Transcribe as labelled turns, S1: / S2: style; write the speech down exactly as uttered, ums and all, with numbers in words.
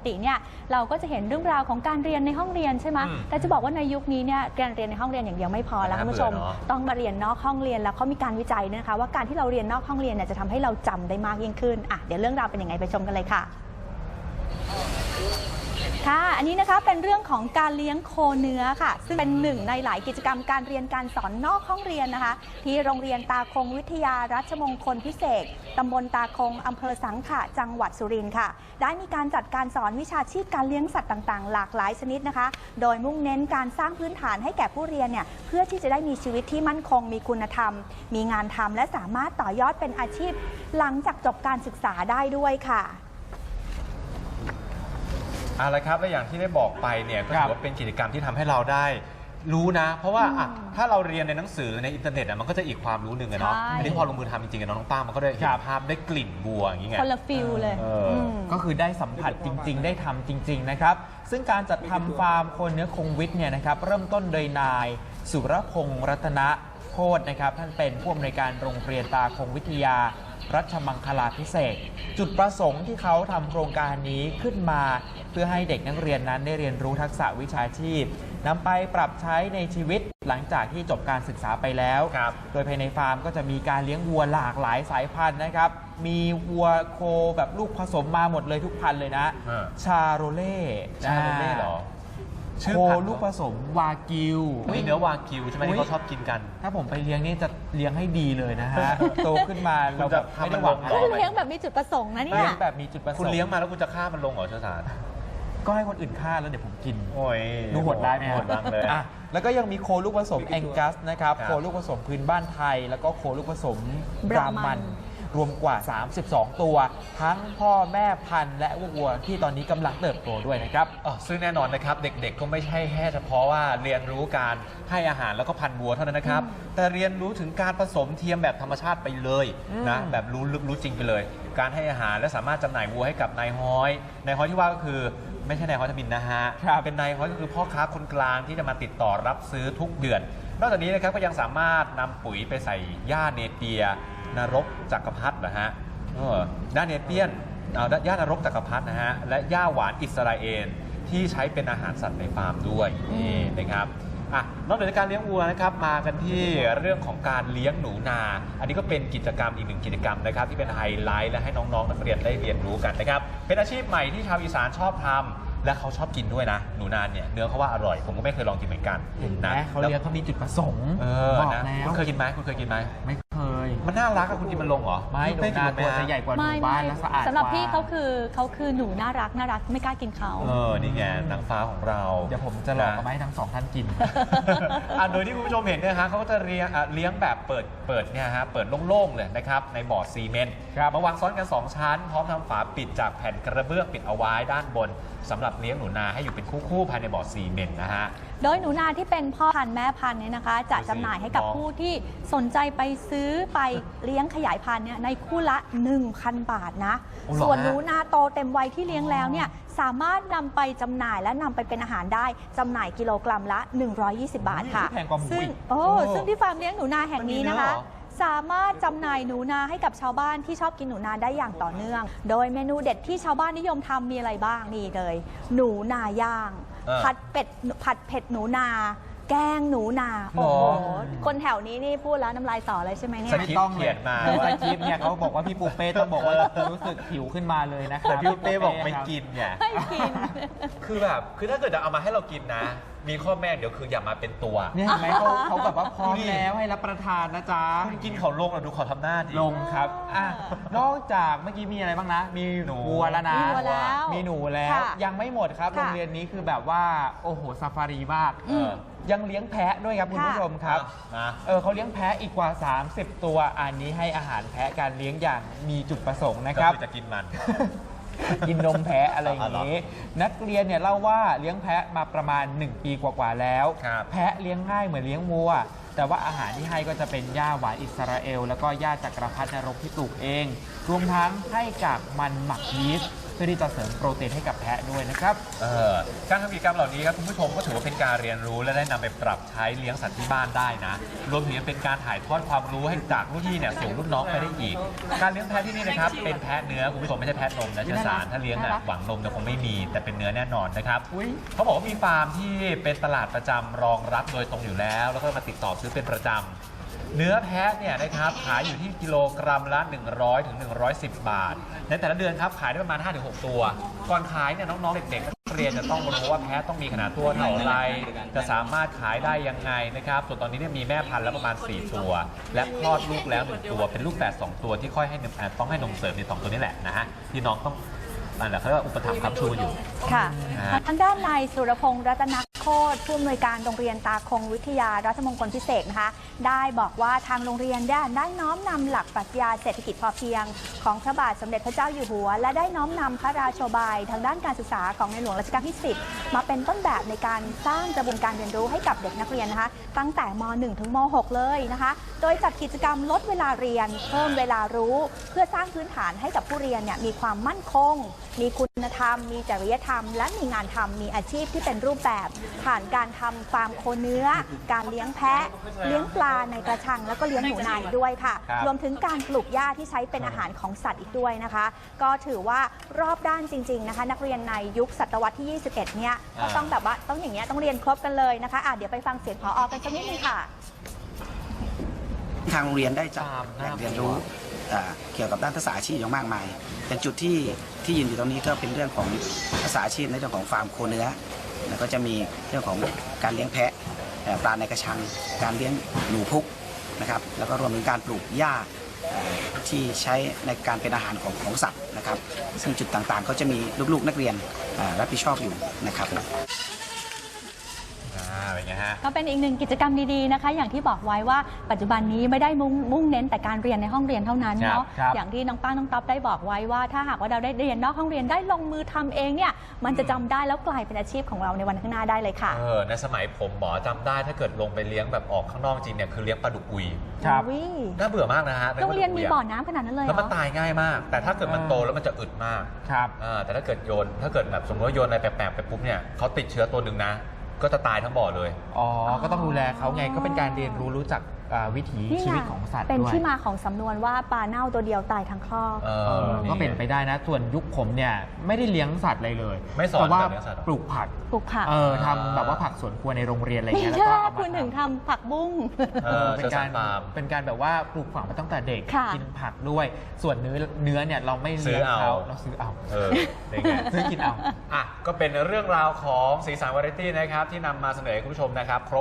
S1: ติเนี่ยเราก็จะเห็นเรื่องราวของการเรียนในห้องเรียนใช่ไหมแต่จะบอกว่าในยุคนี้เนี่ยการเรียนในห้องเรียนอย่างเดียวไม่พอแล้วคุณผู้ชมต้องมาเรียนนอกห้องเรียนแล้วเขามีการวิจัยนะคะว่าการที่เราเรียนนอกห้องเรียนเนี่ยจะทำให้เราจำได้มากยิ่งขึ้นอ่ะเดี๋ยวเรื่องราวเป็นยังไงไปชมกันเลยค่ะค่ะอันนี้นะคะเป็นเรื่องของการเลี้ยงโคเนื้อค่ะซึ่งเป็นหนึ่งในหลายกิจกรรมการเรียนการสอนนอกห้องเรียนนะคะที่โรงเรียนตาคงวิทยารัชมงคลพิเศษตำบลตาคงอำเภอสังขะจังหวัดสุรินทร์ค่ะได้มีการจัดการสอนวิชาชีพการเลี้ยงสัตว์ต่างๆหลากหลายชนิดนะคะโดยมุ่งเน้นการสร้างพื้นฐานให้แก่ผู้เรียนเนี่ยเพื่อที่จะได้มีชีวิตที่มั่นคงมีคุณธรรมมีงานทำและสามารถต่อยอดเป็นอาชีพหลังจากจบการศึกษาได้ด้วยค่ะ
S2: อะไรครับและอย่างที่ได้บอกไปเนี่ยก็ถือว่าเป็นกิจกรรมที่ทำให้เราได้รู้นะเพราะว่าอ่ะถ้าเราเรียนในหนังสือในอินเทอร์เน็ตอ่ะมันก็จะอีกความรู้หนึ่งเนาะอันนี้พอลงมือทำจริงๆกับน้องป้ามันก็ได้เห็นภาพได้กลิ่นบัวอย่างเงี้ย
S1: คนละฟิลเลย
S3: ก็คือได้สัมผัสจริงๆได้ทำจริงๆนะครับซึ่งการจัดทำฟาร์มโคเนื้อคงวิทย์เนี่ยนะครับเริ่มต้นโดยนายสุรพงษ์รัตนะโคตรนะครับท่านเป็นผู้อำนวยการโรงเรียนตาคงวิทยารัชมังคลาภิเษกจุดประสงค์ที่เขาทำโครงการนี้ขึ้นมาเพื่อให้เด็กนักเรียนนั้นได้เรียนรู้ทักษะวิชาชีพนำไปปรับใช้ในชีวิตหลังจากที่จบการศึกษาไปแล้วโดยภายในฟาร์มก็จะมีการเลี้ยงวัวหลากหลายสายพันธุ์นะครับมีวัวโคแบบลูกผสมมาหมดเลยทุกพันธุ์เลยนะชาโรเล่
S2: ชาโรเล่หรอ
S3: โคลูกผสมวากิว
S2: เนื้อวากิวใช่ไหมที่เขาชอบกินกัน
S3: ถ้าผมไปเลี้ยงนี่จะเลี้ยงให้ดีเลยนะฮะโตขึ้นมาเราแบบไม่ได้หวัง
S1: เลี้ยงแบบมีจุดประสงค์นะเนี่ย
S3: เลี้ยงแบบมีจุดประสงค์
S2: คุณเลี้ยงมาแล้วคุณจะฆ่ามันลงเหรอเชษฐาน
S3: ก็ให้คนอื่นฆ่าแล้วเดี๋ยวผมกิน
S2: โอ้ย
S3: ดูโหดได้ไหม
S2: โหดบ้างเลย
S3: แล้วก็ยังมีโคลูกผสมแองกัสนะครับโคลูกผสมพื้นบ้านไทยแล้วก็โคลูกผสมบรามันรวมกว่าสามสิบสองตัวทั้งพ่อแม่พันธุ์และวัวที่ตอนนี้กำลังเติบโตด้วยนะครับ
S2: ซึ่งแน่นอนนะครับเด็กๆก็ไม่ใช่แค่เฉพาะว่าเรียนรู้การให้อาหารแล้วก็พันธุ์วัวเท่านั้นนะครับแต่เรียนรู้ถึงการผสมเทียมแบบธรรมชาติไปเลยนะแบบรู้ลึกรู้จริงไปเลยการให้อาหารและสามารถจำหน่ายวัวให้กับนายฮ้อยนายฮ้อยที่ว่าก็คือไม่ใช่นายฮ้อยทบินนะฮะเป็นนายฮ้อยก็คือพ่อค้าคนกลางที่จะมาติดต่อรับซื้อทุกเดือนนอกจากนี้นะครับก็ยังสามารถนำปุ๋ยไปใส่หญ้าเนเปียนรกจักรพรรดินะฮะด้านเนเปียนหญ้านรกจักรพรรดินะฮะและหญ้าหวานอิสราเอลที่ใช้เป็นอาหารสัตว์ในฟาร์มด้วยนี่นะครับอ่ะนอกจากการเลี้ยงวัวนะครับมากันที่เรื่องของการเลี้ยงหนูนาอันนี้ก็เป็นกิจกรรมอีกหนึ่งกิจกรรมนะครับที่เป็นไฮไลท์และให้น้องๆนักเรียนได้เรียนรู้กันนะครับเป็นอาชีพใหม่ที่ชาวอีสานชอบทำและเขาชอบกินด้วยนะหนูนาเนี่ยเนื้อเขาว่าอร่อยผมก็ไม่เคยลองกินเหมือนกัน
S3: นะเขาเลี้ยงเขามีจุดประสงค์
S2: บอกแล้วคุณเคยกินไหมคุณเคยกินไหม
S3: ไม่เคย
S2: มันน่ารักอะคุณกินมันลงเหรอ
S3: ไม่หนูนาตัวจะใหญ่กว่าหนูบ้านและสะอาด
S1: สำหรับพี่เขาคือเขาคือหนูน่ารักน่ารักไม่กล้ากินเขา
S2: เออนี่ไงนางฟ้าของเรา
S3: เดี๋ยวผมจะลองเอามาให้ทั้งสองท่านกิน
S2: โดยที่คุณผู้ชมเห็นเนี่ยฮะเขาก็จะเลี้ยงเลี้ยงแบบเปิดเปิดเนี่ยฮะเปิดโล่งๆเลยนะครับในบ่อซีเมนต์มาวางซ้อนกันสองชั้นพร้อมทำฝาปิดจากแผ่นกระเบื้องปิดเอาไว้ด้านบนสำหรับเลี้ยงหนูนาให้อยู่เป็นคู่ๆภายในบ่อซีเมนต์นะฮะ
S1: โดยหนูนาที่เป็นพ่อพันธุ์แม่พันธุ์เนี่ยนะคะจะจำหน่ายให้กับผู้ที่สนใจไปซื้อไปเลี้ยงขยายพันธุ์เนี่ยในคู่ละ หนึ่งพัน บาทนะส่วนหนูนาโตเต็มวัยที่เลี้ยงแล้วเนี่ยสามารถนำไปจำหน่ายและนำไปเป็นอาหารได้จำหน่ายกิโลกรัมละหนึ่งร้อยยี่สิบบาทค่ะซึ่งโอ้ซึ่งที่ฟาร์มเลี้ยงหนูนาแห่งนี้นะคะสามารถจำหน่ายหนูนาให้กับชาวบ้านที่ชอบกินหนูนาได้อย่างต่อเนื่องโดยเมนูเด็ดที่ชาวบ้านนิยมทำมีอะไรบ้างนี่เลยหนูนาย่างผัดเป็ดผัดเผ็ดหนูนาแกงหนูนาโอ้โหคนแถวนี้นี่พูดแล้วน้ำลายสอเลยใช่ไหมเนี่ย
S2: ไม่ต้องเขียนมา
S3: สคริปต์เนี่ยเขาบอกว่าพี่ปูเป้ต้องบอกว่ารู้สึกหิวขึ้นมาเลยนะครับ
S2: แต่พี่ปูเป้บอกไม่กินเนี่ย
S1: ไม่กิน
S2: คือแบบคือถ้าเกิดจะเอามาให้เรากินนะมีข้อแม้เดี๋ยวคืออย่ามาเป็นตัว
S3: เนี่ยเห็นไหมเขาเขาแบบว่าพร้อมแล้วให้รับประทานนะจ๊ะ
S2: คุณกินเขาลงเราดูเขาทำหน้าดิ
S3: ลงครับอ่ะนอกจากเมื่อกี้มีอะไรบ้างนะมีหนูวัวแล้วนะมีหนูแล้วยังไม่หมดครับโรงเรียนนี้คือแบบว่าโอ้โหซาฟารีมากยังเลี้ยงแพะด้วยครับคุณผู้ชมครับเออเขาเลี้ยงแพะอีกกว่าสามสิบตัวอันนี้ให้อาหารแพะการเลี้ยงอย่างมีจุดประสงค์นะครับ
S2: จะกินมัน
S3: กินนมแพะอะไรอย่างนี้นักเรียนเนี่ยเล่าว่าเลี้ยงแพะมาประมาณหนึ่งปีกว่าๆแล้วแพะเลี้ยงง่ายเหมือนเลี้ยงวัวแต่ว่าอาหารที่ให้ก็จะเป็นหญ้าหวานอิสราเอลแล้วก็หญ้าจักรพรรดินรกที่ปลูกเองรวมทั้งให้กากมันหมักยีสต์พื่อที่จะเสริมโปรตีนให้กับแพะด้วยนะครับ
S2: เออการทำกิจกรรมเหล่านี้ครับคุณผู้ชมก็ถือว่าเป็นการเรียนรู้และได้นำไปปรับใช้เลี้ยงสัตว์ที่บ้านได้นะรวมถึงยังเป็นการถ่ายทอดความรู้ให้จากรุ่นพี่เนี่ยสู่รุ่นน้องไปได้อีก การเลี้ยงแพะที่นี่นะครับเป็นแพะเนื้อคุณผู้ชมไม่ใช่แพะนมนะเชื้อสารถ้าเลี้ยงอ่ะหวังนมจะคงไม่มีแต่เป็นเนื้อแน่นอนนะครับเขาบอกว่ามีฟาร์มที่เป็นตลาดประจำรองรับโดยตรงอยู่แล้ว แล้วก็มาติดต่อซื้อเป็นประจำเนื้อแพะเนี่ยนะครับขายอยู่ที่กิโลกรัมละหนึ่งร้อยถึงหนึ่งร้อยสิบ บาทในแต่ละเดือนครับขายได้ประมาณ ห้าถึงหก ตัว ก่อนขายเนี่ยน้องๆเด็กๆนักเรียนจะต้องรู้ว่าแพะต้องมีขนาดตัวเท่าไรจะสามารถขายได้ยังไงนะครับส่วนตอนนี้เนี่ยมีแม่พันธุ์แล้วประมาณสี่ตัว และคลอดลูกแล้วหนึ่งตัวเป็นลูกแฝดสองตัวที่ค่อยให้นมต้องให้นมเสริมในสองตัวนี้แหละนะฮะที่น้องต้องนั่นแหละเขาเรียกว่าอุปถัมภ์ค้ำชูอยู่
S1: ค่ะ
S2: นะฮะ
S1: ทางด้านนายสุรพงษ์รัตนโคตรผู้อำนวยการโรงเรียนตาคงวิทยาราชมงคลพิเศษนะคะได้บอกว่าทางโรงเรียนได้ได้น้อมนำหลักปรัชญาเศรษฐกิจพอเพียงของพระบาทสมเด็จพระเจ้าอยู่หัวและได้น้อมนำพระราโชบายทางด้านการศึกษาของในหลวงรัชกาลที่สิบมาเป็นต้นแบบในการสร้างกระบวนการเรียนรู้ให้กับเด็กนักเรียนนะคะตั้งแต่ม หนึ่ง ถึงม หก เลยนะคะโดยจัดกิจกรรมลดเวลาเรียนเพิ่มเวลารู้เพื่อสร้างพื้นฐานให้กับผู้เรียนเนี่ยมีความมั่นคงมีคุณธรรมมีจริยธรรมและมีงานทำมีอาชีพที่เป็นรูปแบบผ่านการทำฟาร์มโคเนื้อการเลี้ยงแพะเลี้ยงปลาในกระชังแล้วก็เลี้ยงหนูนาด้วยค่ะรวมถึงการปลูกหญ้าที่ใช้เป็นอาหารของสัตว์อีกด้วยนะคะก็ถือว่ารอบด้านจริงๆนะคะนักเรียนในยุคศตวรรษที่ยี่สิบเอ็ดเนี่ยก็ต้องแบบว่าต้องอย่างเงี้ยต้องเรียนครบกันเลยนะคะอ่ะเดี๋ยวไปฟังเสียงผอ.กันสักนิดนึงค่ะ
S4: ทางโรงเรียนได้จัดแหล่งเรียนรู้เกี่ยวกับด้านภาษาอาชีพอย่างมากมายเป็นจุดที่ที่ยืนอยู่ตรงนี้ก็เป็นเรื่องของภาษาอาชีพในเรื่องของฟาร์มโคเนื้อแล้วก็จะมีเรื่องของการเลี้ยงแพะปลาในกระชังการเลี้ยงหนูพุกนะครับแล้วก็รวมถึงการปลูกหญ้าที่ใช้ในการเป็นอาหารของของสัตว์นะครับซึ่งจุดต่างๆก็จะมีลูกๆนักเรียนรับผิดชอบอยู่นะครับ
S2: เป็นไงฮะ
S1: ก็เป็นอีกหนึ่งกิจกรรมดีๆนะคะอย่างที่บอกไว้ว่าปัจจุบันนี้ไม่ได้มุ่งมุ่งเน้นแต่การเรียนในห้องเรียนเท่านั้นเนาะอย่างที่น้องป้าน้องต๊อบได้บอกไว้ว่าถ้าหากว่าเราได้เรียนนอกห้องเรียนได้ลงมือทำเองเนี่ยมันจะจำได้แล้วกลายเป็นอาชีพของเราในวันข้างหน้าได้เลยค่ะ
S2: เออในสมัยผมหมอจำได้ถ้าเกิดลงไปเลี้ยงแบบออกข้างนอกจริงเนี่ยคือเลี้ยงปลาดุกอุย
S3: ครับ
S2: น่าเบื่อมากนะฮะ
S1: โรงเรียนมีบ่อน้ำขนาดนั้นเลย
S2: แล้วมันตายง่ายมากแต่ถ้าเกิดมันโตแล้วมันจะอึดมาก
S3: ครับ
S2: แต่ถ้าเกิดโยนถ้าเกิดแบบสมมติว่าโยนอะไรแปลกๆไปปุ๊บเนี่ยเขาติดเชื้อตัวหนึ่งนะก็จะตายทั้งบ่อเลย
S3: อ๋อก็ต้องดูแลเขาไงก็เป็นการเรียนรู้รู้จักวิถีชีวิตของสัตว์ด้วย
S1: เป็นที่มาของสำนวนว่าปลาเน่าตัวเดียวตายทั้งครอบ
S3: ก็เป็นไปได้นะส่วนยุคผมเนี่ยไม่ได้เลี้ยงสัตว์อะไรเลย
S2: ไม่สอน
S3: แต่ว่า
S2: เลี้ยงสัตว์
S3: ปลูกผัก
S1: ปลูกผัก
S3: เออทำแบบว่าผักสวนครัวในโรงเรียนอะไรเงี้ย
S1: แล้วก็คุณถึงทำผักบุ้ง
S3: เป็นการเป็นการแบบว่าปลูกฝังมาตั้งแต่เด็กกินผักด้วยส่วนเนื้อเนื้อเนี่ยเราไม่เลี้ยงเขาเราซื้อเอา
S2: เออ
S3: ซื้อกินเอา
S2: อ่ะก็เป็นเรื่องราวของสีสันวาไรตี้นะครับที่นำมาเสนอให้คุณผู้ชมนะครับ